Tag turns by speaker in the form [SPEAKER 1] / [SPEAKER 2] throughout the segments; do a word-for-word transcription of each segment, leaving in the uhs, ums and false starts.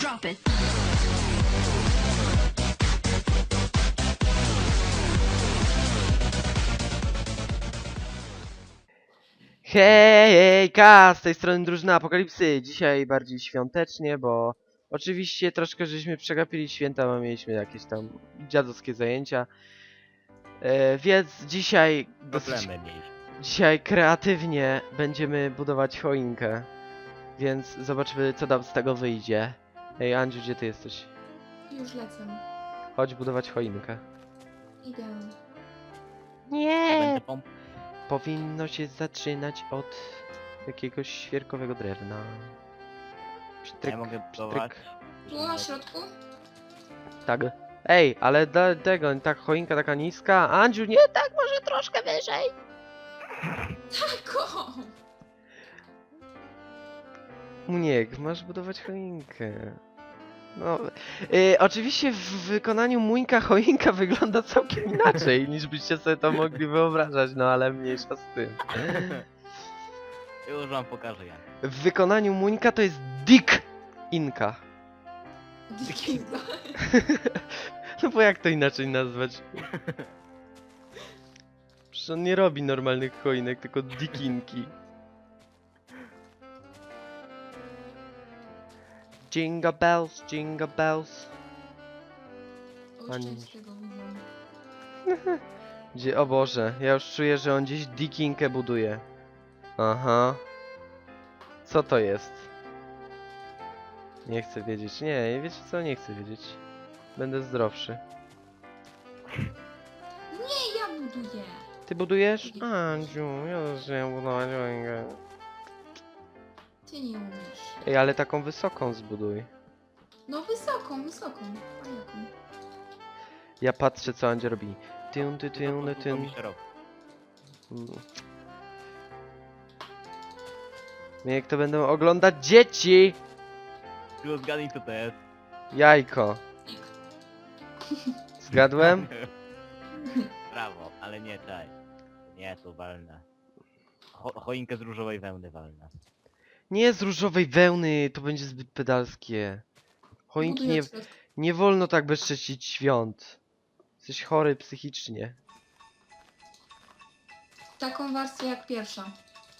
[SPEAKER 1] Drop it.
[SPEAKER 2] Hejka, z tej strony drużyna Apokalipsy. Dzisiaj bardziej świątecznie, bo oczywiście troszkę żeśmy przegapili święta, bo mieliśmy jakieś tam dziadowskie zajęcia. E, więc dzisiaj dosyć,
[SPEAKER 3] Problemy mieliśmy.
[SPEAKER 2] dzisiaj kreatywnie będziemy budować choinkę. Więc zobaczmy, co nam z tego wyjdzie. Ej, Andziu, gdzie ty jesteś?
[SPEAKER 4] Już lecę.
[SPEAKER 2] Chodź budować choinkę.
[SPEAKER 4] Idę.
[SPEAKER 2] Nie!
[SPEAKER 3] Będę pomp...
[SPEAKER 2] Powinno się zaczynać od jakiegoś świerkowego drewna. Pstryk,
[SPEAKER 3] Ja mogę budować.
[SPEAKER 2] pstryk.
[SPEAKER 4] Tu na środku?
[SPEAKER 2] Tak. Ej, ale do tego, tak choinka taka niska. Andziu, nie tak, może troszkę wyżej.
[SPEAKER 4] Tako!
[SPEAKER 2] Muniek, masz budować choinkę. No, y, oczywiście w wykonaniu Muńka choinka wygląda całkiem inaczej, niż byście sobie to mogli wyobrażać, no ale mniejsza z tym.
[SPEAKER 3] Już wam pokażę jak.
[SPEAKER 2] W wykonaniu Muńka to jest Dick Inka.
[SPEAKER 4] Dikinga.
[SPEAKER 2] No bo jak to inaczej nazwać? Przecież on nie robi normalnych choinek, tylko dikinki. Jingle bells, jingle bells.
[SPEAKER 4] Oszczędź tego widzę.
[SPEAKER 2] Gdzie, o Boże, ja już czuję, że on gdzieś dikinkę buduje. Aha. Co to jest? Nie chcę wiedzieć. Nie, wiecie co? Nie chcę wiedzieć. Będę zdrowszy.
[SPEAKER 4] Nie, ja buduję.
[SPEAKER 2] Ty budujesz? Andziu, ja też chciałem budować choinkę.
[SPEAKER 4] Ty nie umiesz.
[SPEAKER 2] Ej, ale taką wysoką zbuduj.
[SPEAKER 4] No wysoką, wysoką. A jaką?
[SPEAKER 2] Ja patrzę, co Andzia robi. Tyn, ty, tyn,
[SPEAKER 3] To
[SPEAKER 2] tyn.
[SPEAKER 3] mi się robi.
[SPEAKER 2] Mm. No jak to będą oglądać dzieci!
[SPEAKER 3] Tylko zgadnij co to jest.
[SPEAKER 2] Jajko. Zgadłem?
[SPEAKER 3] Brawo, ale nie czaj. Nie, to walne. Cho choinkę z różowej wełny walne.
[SPEAKER 2] Nie z różowej wełny, to będzie zbyt pedalskie. Choinki
[SPEAKER 4] Buduję
[SPEAKER 2] nie,
[SPEAKER 4] od środka.
[SPEAKER 2] nie wolno tak bezcześcić świąt. Jesteś chory psychicznie.
[SPEAKER 4] Taką warstwę jak pierwsza.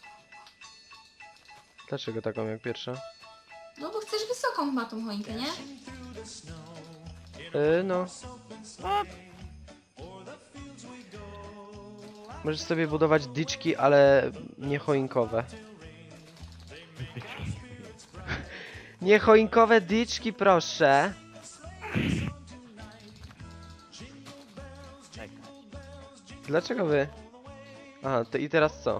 [SPEAKER 2] Dlaczego taką jak pierwsza?
[SPEAKER 4] No bo chcesz wysoką chyba tą choinkę, nie?
[SPEAKER 2] Yy, no. Możesz sobie budować dyczki, ale nie choinkowe. Nie choinkowe dyczki, proszę.
[SPEAKER 3] Czekaj.
[SPEAKER 2] Dlaczego wy? Aha, to i teraz co?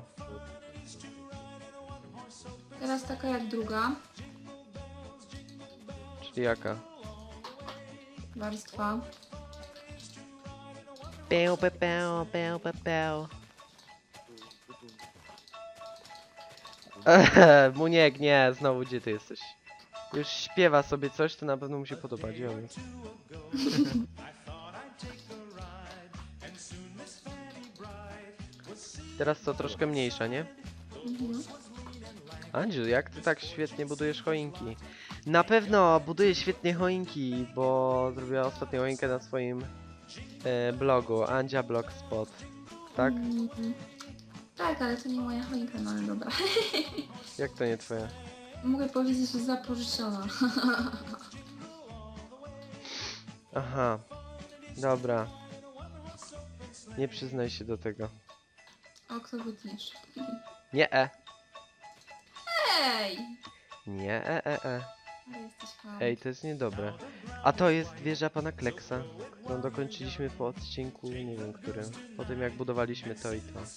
[SPEAKER 4] Teraz taka jak druga
[SPEAKER 2] Czyli jaka?
[SPEAKER 4] warstwa.
[SPEAKER 2] Peł, pe, peł, peł, pe, peł. Ehe, Muniek, nie, znowu gdzie ty jesteś? Już śpiewa sobie coś, to na pewno mu się podoba, gdzie on jest? Teraz co, troszkę mniejsza, nie?
[SPEAKER 4] Mhm.
[SPEAKER 2] Andziu, jak ty tak świetnie budujesz choinki? Na pewno buduje świetnie choinki, bo zrobiła ostatnio choinkę na swoim e, blogu, Andzia Blogspot, tak?
[SPEAKER 4] Mhm. Tak, ale to nie moja choinka, no ale dobra.
[SPEAKER 2] Jak to nie twoja?
[SPEAKER 4] Mogę powiedzieć, że zapożyczona.
[SPEAKER 2] Aha, dobra. Nie przyznaj się do tego.
[SPEAKER 4] O, kto wytniesz?
[SPEAKER 2] Nie e.
[SPEAKER 4] Ej!
[SPEAKER 2] Nie e e e.
[SPEAKER 4] Ale jesteś chamy.
[SPEAKER 2] Ej, to jest niedobre. A to jest wieża pana Kleksa, którą dokończyliśmy po odcinku, nie wiem którym. Po tym jak budowaliśmy to i to.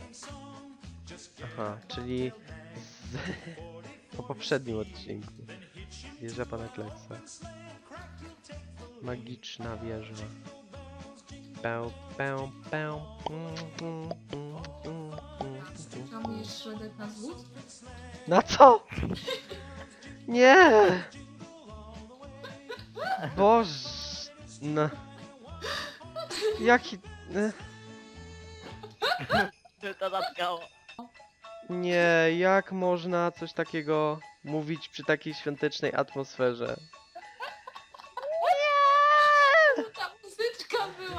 [SPEAKER 2] Aha, czyli z... po poprzednim odcinku. Wieża pana Kleksa. Magiczna wieża. Pę, pę, pę. Mm, mm, mm, mm, mm.
[SPEAKER 4] Hamujesz środek na zwód?
[SPEAKER 2] Na co? Nie! Boże! No. Jaki... e,
[SPEAKER 3] Czy to zatkało?
[SPEAKER 2] Nie, jak można coś takiego mówić przy takiej świątecznej atmosferze?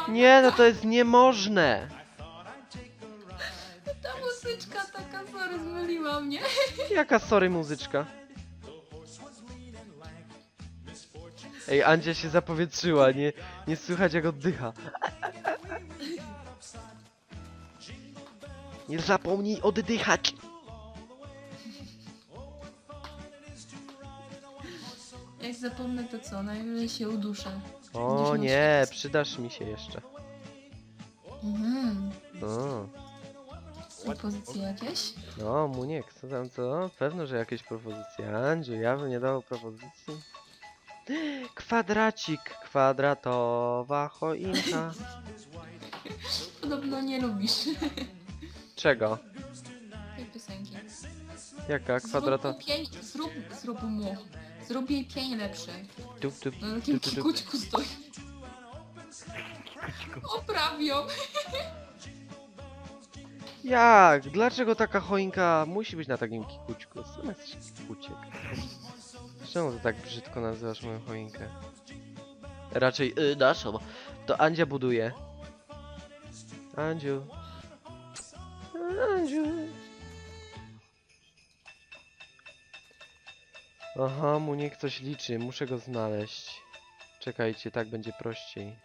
[SPEAKER 2] Nie, no to jest niemożne.
[SPEAKER 4] Ta muzyczka taka, sorry, zmyliła mnie.
[SPEAKER 2] Jaka sorry muzyczka. Ej, Andzia się zapowietrzyła, nie, nie słychać jak oddycha. Nie zapomnij oddychać.
[SPEAKER 4] Jak zapomnę to co, najwyżej się uduszę.
[SPEAKER 2] O
[SPEAKER 4] Będziesz
[SPEAKER 2] nie,
[SPEAKER 4] miał
[SPEAKER 2] przydasz mi się jeszcze.
[SPEAKER 4] Mhm.
[SPEAKER 2] O,
[SPEAKER 4] Propozycje jakieś?
[SPEAKER 2] no, Muniek, co tam, co? Pewno, że jakieś propozycje. Andziu, ja bym nie dał propozycji. Kwadracik, kwadratowa choinka.
[SPEAKER 4] Podobno nie lubisz
[SPEAKER 2] Czego?
[SPEAKER 4] tej piosenki.
[SPEAKER 2] Jaka kwadratowa?
[SPEAKER 4] Zrób, mu pień, zrób, zrób mu. Zrób jej pień lepszy.
[SPEAKER 2] Tup, tup,
[SPEAKER 4] Na takim
[SPEAKER 2] tup, tup, tup.
[SPEAKER 4] kikućku stoi. Opraw ją.
[SPEAKER 2] Jak? Dlaczego taka choinka musi być na takim kikućku? Sam jesteś kikuciek. Czemu to tak brzydko nazywasz moją choinkę? Raczej y, naszą. To Andzia buduje. Andziu. Andziu. Aha, mu niech coś liczy. Muszę go znaleźć. Czekajcie, tak będzie prościej.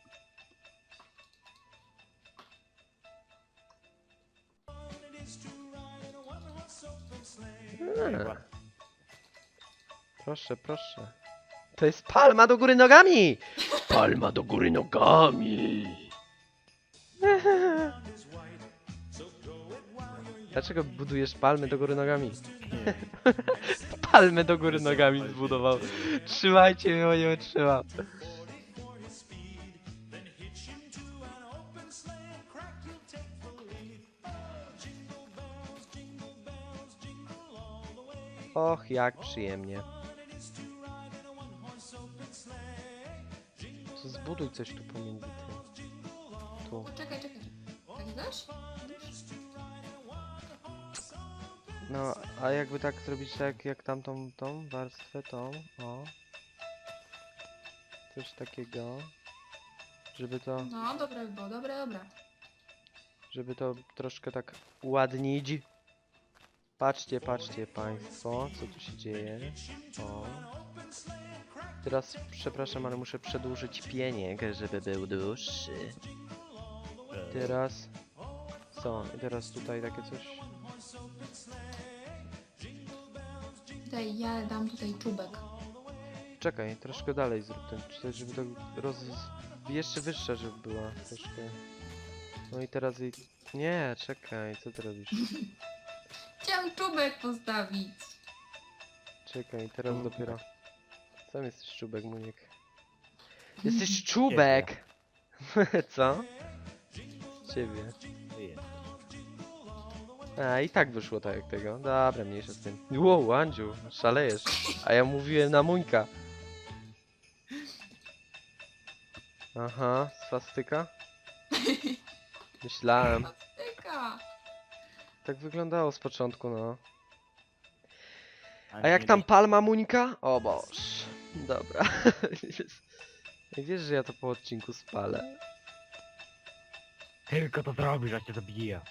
[SPEAKER 2] A. Proszę, proszę. To jest palma do góry nogami! Palma do góry nogami! Dlaczego budujesz palmy do góry nogami? Palmę do góry nogami zbudował. Trzymajcie mnie, bo nie wytrzymam. Och, jak przyjemnie. To zbuduj coś tu pomiędzy tym. Tu.
[SPEAKER 4] Czekaj, czekaj. Tak dasz?
[SPEAKER 2] No, a jakby tak zrobić tak jak tamtą tą warstwę, tą, o. Coś takiego. Żeby to,
[SPEAKER 4] No, dobre by było, dobre, dobra.
[SPEAKER 2] żeby to troszkę tak uładnić. Patrzcie, patrzcie państwo, co tu się dzieje. O. Teraz, przepraszam, ale muszę przedłużyć pieniek, żeby był dłuższy. Teraz... Co? I teraz tutaj takie coś...
[SPEAKER 4] Daj, ja dam tutaj czubek.
[SPEAKER 2] Czekaj, troszkę dalej zrób ten, czy- żeby to roz... jeszcze wyższa, żeby była troszkę. No i teraz jej... Nie, czekaj, co ty robisz?
[SPEAKER 4] Chciałam czubek postawić.
[SPEAKER 2] Czekaj, teraz
[SPEAKER 3] Czubek.
[SPEAKER 2] dopiero... Sam jesteś czubek, Muniek. Jesteś czubek! Co? Z ciebie.
[SPEAKER 3] Ty jest.
[SPEAKER 2] A, i tak wyszło tak jak tego. Dobra, mniejsza z tym. Wow, Andziu, szalejesz. A ja mówiłem na Muńka. Aha, swastyka? Myślałem.
[SPEAKER 4] Tyka.
[SPEAKER 2] Tak wyglądało z początku, no.
[SPEAKER 3] Ale
[SPEAKER 2] A jak
[SPEAKER 3] nie
[SPEAKER 2] tam
[SPEAKER 3] byś-
[SPEAKER 2] palma Muńka? O boż. Dobra. Jak wiesz, że ja to po odcinku spalę.
[SPEAKER 3] Tylko to zrobisz, a cię zabiję.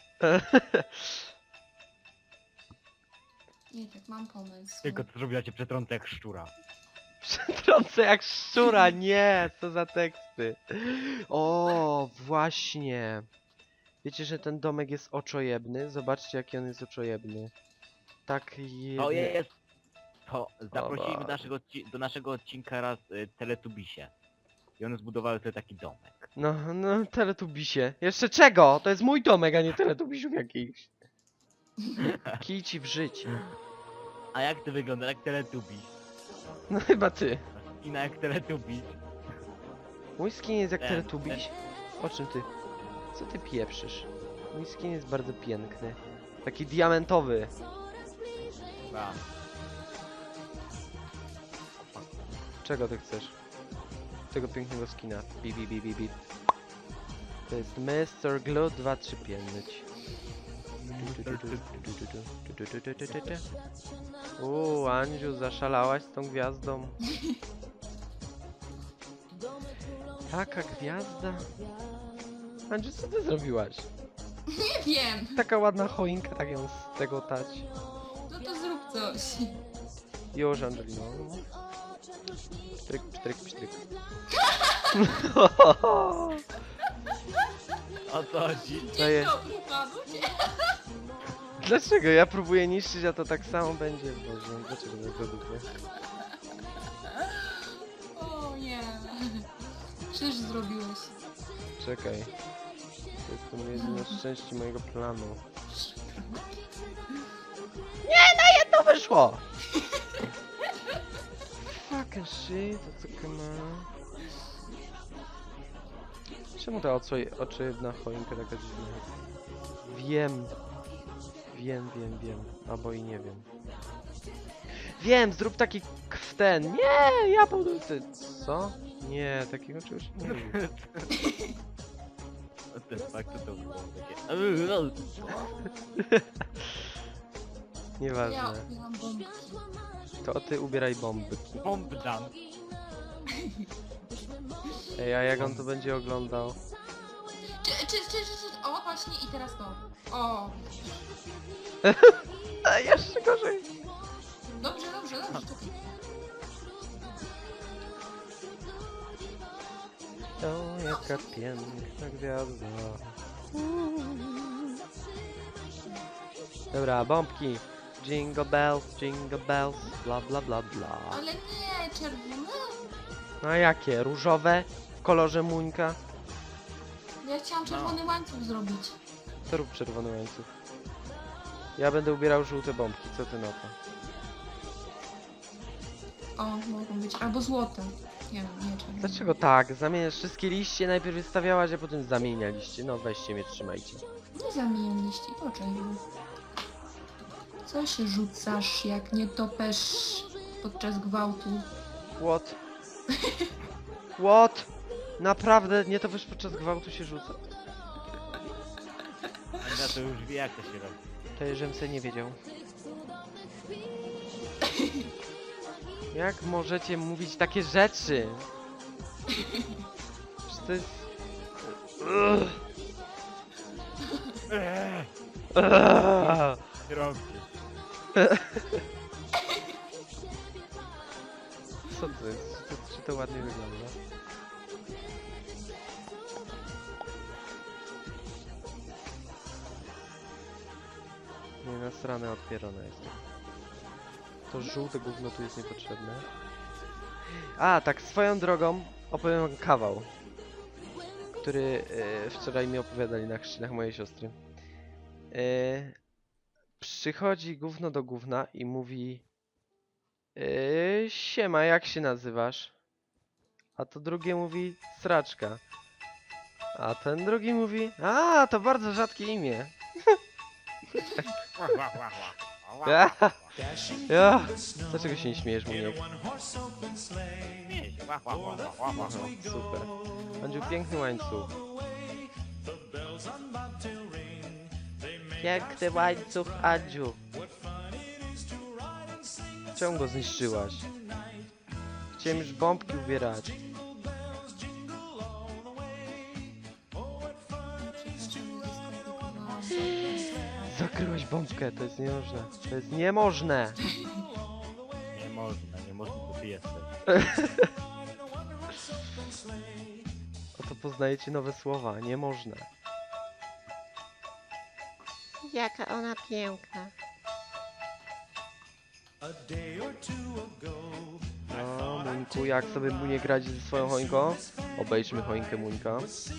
[SPEAKER 4] Nie, tak mam pomysł.
[SPEAKER 3] Tylko to zrobisz, a cię przetrącę jak szczura.
[SPEAKER 2] Przetrącę jak szczura, nie! Co za teksty. O, właśnie. Wiecie, że ten domek jest oczojebny? Zobaczcie, jaki on jest oczojebny. Tak je...
[SPEAKER 3] O jest! To zaprosiliśmy
[SPEAKER 2] Boże.
[SPEAKER 3] do naszego, odci- do naszego odcinka raz y, Teletubisie. I one zbudowały sobie taki domek.
[SPEAKER 2] No, no, teletubisie. Jeszcze czego? To jest mój domek, a nie teletubisiów jakichś. Kij ci w życie.
[SPEAKER 3] A jak to wygląda? Jak Teletubis?
[SPEAKER 2] No chyba ty.
[SPEAKER 3] I na jak Teletubis.
[SPEAKER 2] Mój skin jest jak
[SPEAKER 3] Ten,
[SPEAKER 2] teletubiś. O czym ty? Co ty pieprzysz? Mój skin jest bardzo piękny. Taki diamentowy.
[SPEAKER 3] A,
[SPEAKER 2] Czego ty chcesz? Tego pięknego skina. Bi, bi, bi, bi, bi. To jest mister Glue dwa trzy pięć. Uuu, Andziu, zaszalałaś z tą gwiazdą. Taka gwiazda. Andrzej, co ty zrobiłaś?
[SPEAKER 4] Nie wiem.
[SPEAKER 2] Taka ładna choinka, tak ją z tego tać.
[SPEAKER 4] No to zrób coś.
[SPEAKER 2] Już, Angelino. Pstryk, pstryk, pstryk.
[SPEAKER 3] O co chodzi?
[SPEAKER 2] Daję.
[SPEAKER 4] Dzień dobry panu.
[SPEAKER 2] Dlaczego? Ja próbuję niszczyć, a to tak samo będzie. Boże, dlaczego tak według mnie?
[SPEAKER 4] O nie. Czyż zrobiłeś?
[SPEAKER 2] Czekaj. To jest to jedyne szczęście mojego planu. Nie, na jedno wyszło! Fucking shit, to co ma? Czemu ta oczy, oczywna choinka taka dziwna? Wiem. Wiem, wiem, wiem. Albo i nie wiem. Wiem, zrób taki k- w ten. Nie, ja budu... Ty, co? Nie, takiego czegoś nie lubię.
[SPEAKER 3] What the fuck, co to było takie?
[SPEAKER 4] Ja
[SPEAKER 2] Nieważne.
[SPEAKER 4] odbieram bombki.
[SPEAKER 2] To ty ubieraj bomby.
[SPEAKER 3] Bomb dump.
[SPEAKER 2] Ej, a jak on to będzie oglądał?
[SPEAKER 4] Czy, czy, czy, czy, czy, o właśnie i teraz to. O.
[SPEAKER 2] A jeszcze gorzej.
[SPEAKER 4] Dobrze, dobrze, dobrze. Czekaj.
[SPEAKER 2] O, jaka piękna gwiazda. Dobra, bombki. Jingle bells, jingle bells, bla bla bla bla.
[SPEAKER 4] Ale nie, czerwone.
[SPEAKER 2] No a jakie? Różowe? W kolorze muńka?
[SPEAKER 4] Ja chciałam czerwony łańcuch zrobić.
[SPEAKER 2] To rób czerwony łańcuch. Ja będę ubierał żółte bombki, co ty na to?
[SPEAKER 4] O, mogą być. Albo złote. Nie wiem, nie czerwone.
[SPEAKER 2] Dlaczego tak? Zamieniasz wszystkie liście, najpierw je stawiałaś, a potem zamienialiście. No weźcie mnie, trzymajcie.
[SPEAKER 4] Nie zamieniam liści, poczekaj. Co się rzucasz, jak nie topesz podczas gwałtu?
[SPEAKER 2] What? What? Naprawdę nie to wiesz podczas gwałtu się rzuca?
[SPEAKER 3] Ania to już wie jak to się robi.
[SPEAKER 2] To żebym se nie wiedział. Jak możecie mówić takie rzeczy? Przecież to jest... Ugh.
[SPEAKER 3] Eee,
[SPEAKER 2] Ugh.
[SPEAKER 3] robisz.
[SPEAKER 2] Co to jest? Czy to, czy to ładnie wygląda? Nie, nasrane odpierone jest. To żółte gówno tu jest niepotrzebne. A, tak swoją drogą opowiem wam kawał, który e, wczoraj mi opowiadali na chrzcinach mojej siostry. E, przychodzi gówno do gówna i mówi e, siema, jak się nazywasz? A to drugie mówi sraczka. A ten drugi mówi, a to bardzo rzadkie imię. Ja, ja. Dlaczego się nie śmiejesz, Muniek? Aha, super. Będzie piękny łańcuch. Piękny łańcuch, Andziu. Czemu go zniszczyłaś? Chciałem już bombki ubierać. Zakryłaś bombkę, to jest niemożne. To jest niemożne.
[SPEAKER 3] Nie można, nie można, to ty jesteś.
[SPEAKER 2] Oto poznajecie nowe słowa. Nie można.
[SPEAKER 1] Jaka ona piękna.
[SPEAKER 2] No, Muńku, jak sobie Muniek radzi ze swoją choinką? Obejrzmy choinkę Muńka.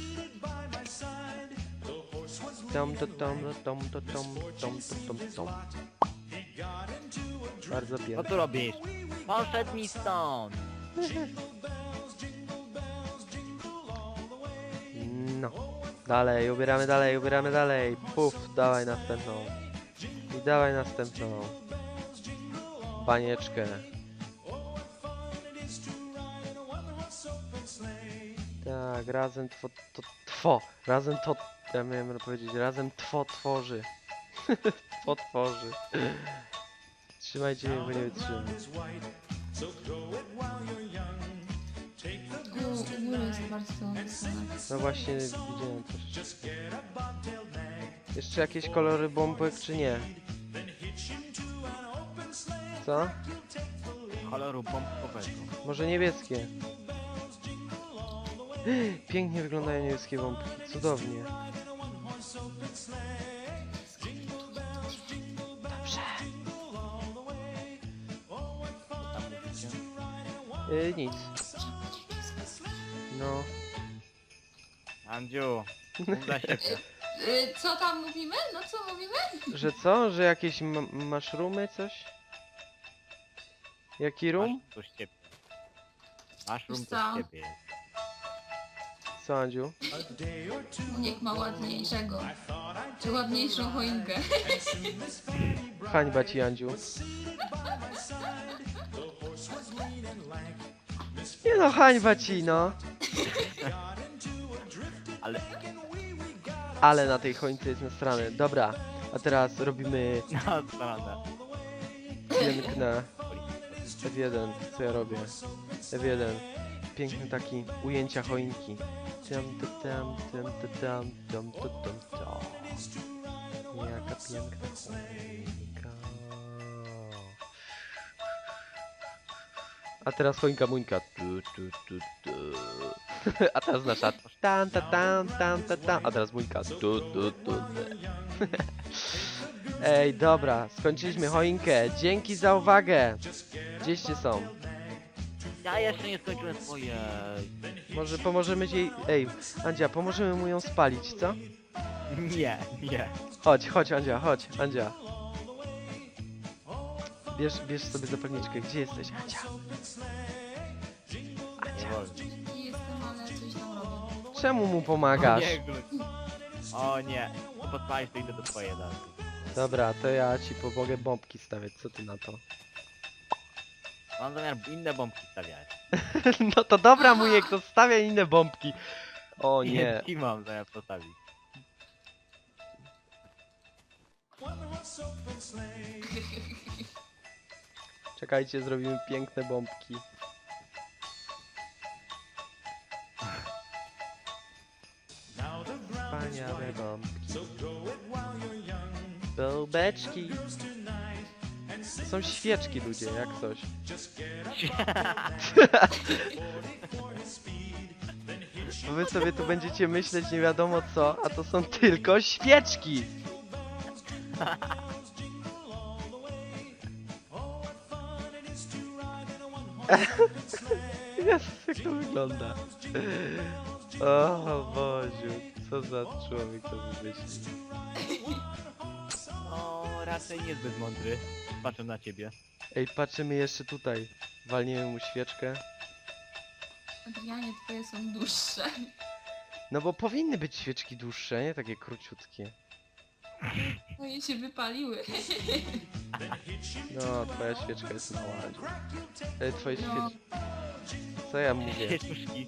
[SPEAKER 2] Tom, to, tom, to, tom, to, tom, tom, to, tom, tom. Bardzo
[SPEAKER 3] Co
[SPEAKER 2] pięknie.
[SPEAKER 3] tu robisz? Poszedł mi stąd!
[SPEAKER 2] No. Dalej, ubieramy dalej, ubieramy dalej. Puf, dawaj następną. I dawaj następną. Banieczkę. Tak, razem two, to, two. Razem to, ja miałem powiedzieć, razem two tworzy. Two tworzy. Trzymajcie mnie, bo nie wytrzymam.
[SPEAKER 4] U, u góry jest bardzo to napisane.
[SPEAKER 2] No właśnie, widziałem troszeczkę. Jeszcze jakieś kolory bombek, czy nie? Co?
[SPEAKER 3] Koloru bombkowego.
[SPEAKER 2] Może niebieskie? Pięknie wyglądają niebieskie bombki, cudownie. Dobrze.
[SPEAKER 3] Tam mówicie?
[SPEAKER 2] Yy, nic. No.
[SPEAKER 3] Andziu, mów dla siebie.
[SPEAKER 4] Y, co tam mówimy? No co mówimy?
[SPEAKER 2] Że co? Że jakieś ma maszrumy, coś? Jaki rum?
[SPEAKER 3] Masz to z ciebie. Masz rum to
[SPEAKER 4] Co?
[SPEAKER 3] z ciebie.
[SPEAKER 2] Co, Andziu?
[SPEAKER 4] Niech ma ładniejszego. Czy ładniejszą choinkę.
[SPEAKER 2] Hańba ci, Andziu. Nie no, hańba ci, no.
[SPEAKER 3] Ale...
[SPEAKER 2] Ale na tej choince jest nasrane. Dobra, a teraz robimy
[SPEAKER 3] No, prawda.
[SPEAKER 2] piękne F jeden. Co ja robię? F jeden. Piękny taki ujęcia choinki. Tam, tam, tam, tam, tam, tam, tam, tam, tam. Jaka piękna choinka. A teraz choinka muńka. Tu, tu, tu, tu. A teraz nasza. Tam, ta, tam, tam, ta, tam. A teraz muńka. Tu, tu, tu. Ej, dobra, skończyliśmy choinkę. Dzięki za uwagę. Gdzieście są?
[SPEAKER 3] Ja jeszcze nie skończyłem swoje.
[SPEAKER 2] Może pomożemy jej... Ej, Andzia, pomożemy mu ją spalić, co?
[SPEAKER 3] Nie, nie.
[SPEAKER 2] Chodź, chodź, Andzia, chodź, Andzia. Bierz, bierz sobie zapalniczkę. Gdzie jesteś, Andzia?
[SPEAKER 3] Nie
[SPEAKER 2] Andzia.
[SPEAKER 3] wolno.
[SPEAKER 4] Nie jestem, ale coś tam robię.
[SPEAKER 2] Czemu mu
[SPEAKER 3] O
[SPEAKER 2] pomagasz?
[SPEAKER 3] nie, gluć. O nie. To podpalisz, to idę do twojej dalej.
[SPEAKER 2] Dobra, to ja ci pomogę bombki stawiać. Co ty na to?
[SPEAKER 3] Mam zamiar inne bombki stawiać.
[SPEAKER 2] No to dobra, Muniek, to stawiaj inne bombki. O nie.
[SPEAKER 3] I mam zamiar postawić.
[SPEAKER 2] Czekajcie, zrobimy piękne bombki. Wspaniałe bombki. Bombeczki. To są świeczki, ludzie, jak coś. Bo wy sobie tu będziecie myśleć nie wiadomo co, a to są tylko świeczki. Jezus, jak to wygląda. O Boziu, co za człowiek to wymyślił.
[SPEAKER 3] No, raczej niezbyt mądry. Patrzę na ciebie.
[SPEAKER 2] Ej, patrzymy jeszcze tutaj. Walniemy mu świeczkę.
[SPEAKER 4] Adrianie, twoje są dłuższe.
[SPEAKER 2] No bo powinny być świeczki dłuższe, nie takie króciutkie.
[SPEAKER 4] Twoje się wypaliły.
[SPEAKER 2] No, twoja świeczka jest mała. Andziu. Ej, twoje
[SPEAKER 4] No.
[SPEAKER 2] świeczki. Co ja mówię?
[SPEAKER 3] Świeczuszki.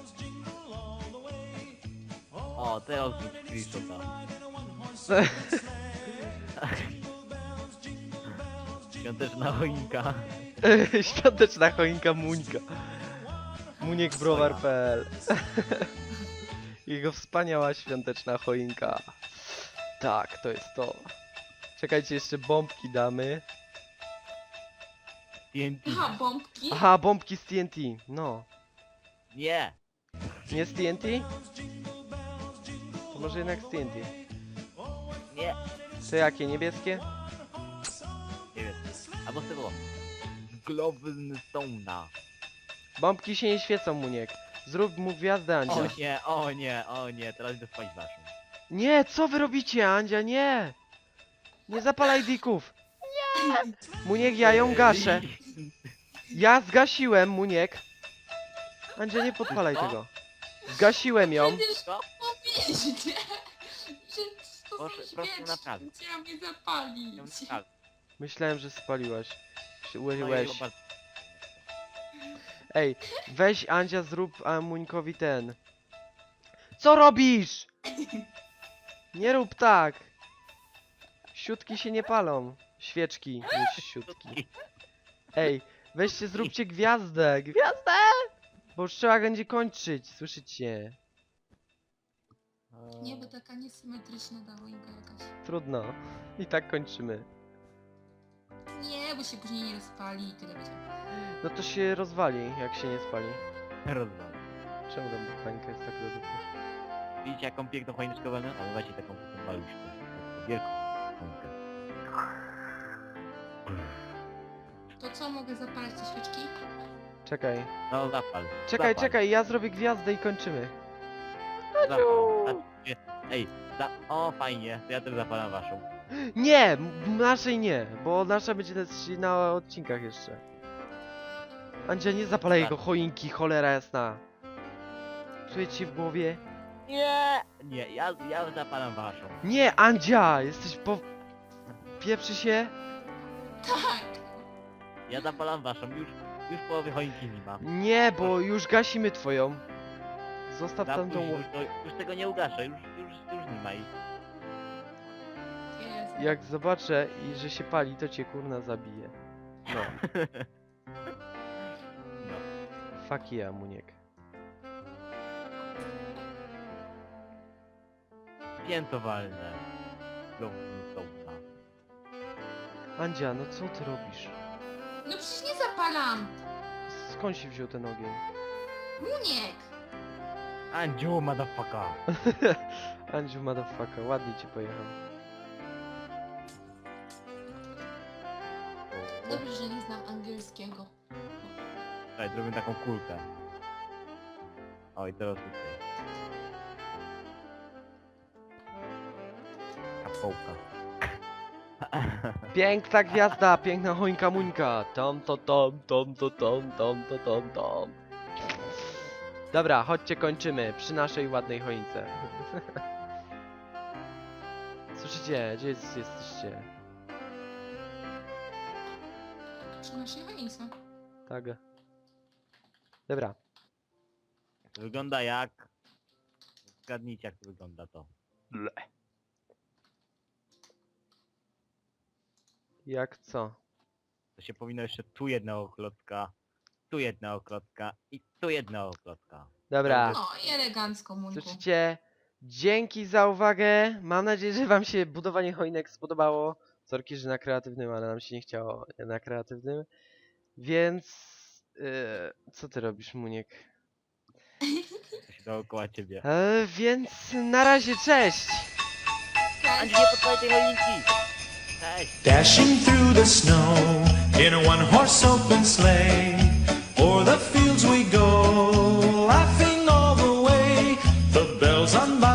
[SPEAKER 3] O, teraz zrób screenshota. Świąteczna choinka.
[SPEAKER 2] Świąteczna choinka Muńka. Muniek browar kropka p l. Jego wspaniała świąteczna choinka. Tak, to jest to. Czekajcie, jeszcze bombki damy.
[SPEAKER 3] T N T.
[SPEAKER 4] Aha, bombki.
[SPEAKER 2] Aha, bombki z T N T. No.
[SPEAKER 3] Nie.
[SPEAKER 2] Nie z T N T? To może jednak z T N T.
[SPEAKER 3] Nie.
[SPEAKER 2] To jakie? Niebieskie?
[SPEAKER 3] Nie wiem. Albo z tego. Glowstone'a.
[SPEAKER 2] Bombki się nie świecą, Muniek. Zrób mu gwiazdę, Andzia.
[SPEAKER 3] O nie, o nie, o nie, teraz idę spać waszą.
[SPEAKER 2] Nie, co wy robicie, Andzia? Nie! Nie zapalaj dików! Nie! Muniek, ja ją gaszę. Ja zgasiłem, Muniek. Andzia, nie podpalaj
[SPEAKER 3] Co?
[SPEAKER 2] tego. Zgasiłem ją.
[SPEAKER 4] Przecież
[SPEAKER 3] Co?
[SPEAKER 4] powiedzieć, że to
[SPEAKER 3] Proszę-
[SPEAKER 4] są
[SPEAKER 3] proszę
[SPEAKER 4] świeczki,
[SPEAKER 3] naprawić.
[SPEAKER 4] chciałam je zapalić.
[SPEAKER 3] Ją naprawię.
[SPEAKER 2] Myślałem, że spaliłaś. Się
[SPEAKER 3] No i
[SPEAKER 2] Ułyłeś.
[SPEAKER 3] zobacz.
[SPEAKER 2] Ej, weź Andzia, zrób a, Muńkowi ten. Co robisz? Nie rób tak. Siutki się nie palą. Świeczki niż siutki. Ej, weźcie, zróbcie gwiazdę. Gwiazdę! Bo już trzeba będzie kończyć, słyszycie?
[SPEAKER 4] Nie, bo taka niesymetryczna ta choinka jakaś.
[SPEAKER 2] Trudno. I tak kończymy.
[SPEAKER 4] Nie, bo się później nie rozpali i tyle będzie.
[SPEAKER 2] No to się rozwali, jak się nie spali.
[SPEAKER 3] Rozdam.
[SPEAKER 2] Czemu tam mechanika jest tak do dupy?
[SPEAKER 3] Widzicie jaką piękną choineczkę będę? Ale właśnie taką piękną maluszkę. Taką wielką choinkę.
[SPEAKER 4] To co, mogę zapalać te świeczki?
[SPEAKER 2] Czekaj.
[SPEAKER 3] No zapal.
[SPEAKER 2] Czekaj,
[SPEAKER 3] zapal,
[SPEAKER 2] czekaj, ja zrobię gwiazdę i kończymy.
[SPEAKER 3] Zapal. Patrzcie. Ej, za... o fajnie, to ja też zapalam waszą.
[SPEAKER 2] Nie! m- Naszej nie, bo nasza będzie na, na odcinkach jeszcze. Andzia, nie zapalaj jego choinki, cholera jasna. Czuję ci w głowie?
[SPEAKER 3] Nie! Nie, ja, ja zapalam waszą.
[SPEAKER 2] Nie, Andzia! Jesteś po... Pieprzy się?
[SPEAKER 4] Tak!
[SPEAKER 3] Ja zapalam waszą, już, już połowy choinki nie ma.
[SPEAKER 2] Nie, bo już gasimy twoją. Zostaw
[SPEAKER 3] Za
[SPEAKER 2] tam tą...
[SPEAKER 3] późno, już, to- już tego nie ugaszę, już, już, już nie ma ich.
[SPEAKER 4] Jezu.
[SPEAKER 2] Jak zobaczę, i że się pali, to cię kurna zabije. No,
[SPEAKER 3] No.
[SPEAKER 2] fuck yeah, Muniek.
[SPEAKER 3] Piętowalne. Znowu sołta.
[SPEAKER 2] Andzia, no co ty robisz?
[SPEAKER 4] No przecież nie zapalam!
[SPEAKER 2] Skąd się wziął ten ogień?
[SPEAKER 4] Muniek!
[SPEAKER 3] Andziu, motherfucker.
[SPEAKER 2] Andziu, motherfucker, ładnie ci pojechał.
[SPEAKER 4] Dobrze, że nie znam angielskiego.
[SPEAKER 3] Daj, zrobię taką kulkę. Oj, teraz tutaj. Kapołka.
[SPEAKER 2] Piękna gwiazda, piękna choinka muńka. Tom to tom, tom to tom, tom to tom tom. Dobra, chodźcie kończymy przy naszej ładnej choince. Słyszycie, gdzie jest, jesteście?
[SPEAKER 4] Przy naszej choince.
[SPEAKER 2] Tak. Dobra.
[SPEAKER 3] To wygląda jak... Zgadnijcie jak to wygląda to.
[SPEAKER 2] Jak co?
[SPEAKER 3] To się powinno jeszcze tu jednego klocka, tu jednego klocka i tu jednego klocka.
[SPEAKER 2] Dobra.
[SPEAKER 4] No i elegancko, Munku.
[SPEAKER 2] Słyszycie? Dzięki za uwagę. Mam nadzieję, że wam się budowanie choinek spodobało. Sorki, że na kreatywnym, ale nam się nie chciało na kreatywnym. Więc... Yy, co ty robisz, Muniek?
[SPEAKER 3] To się dookoła ciebie.
[SPEAKER 2] E, więc na razie, cześć!
[SPEAKER 3] Andrzej, nie podpalaj tej choinki! Cześć!
[SPEAKER 5] Dashing through the snow in a one-horse open sleigh. O'er the fields we go, laughing all the way. The bells on my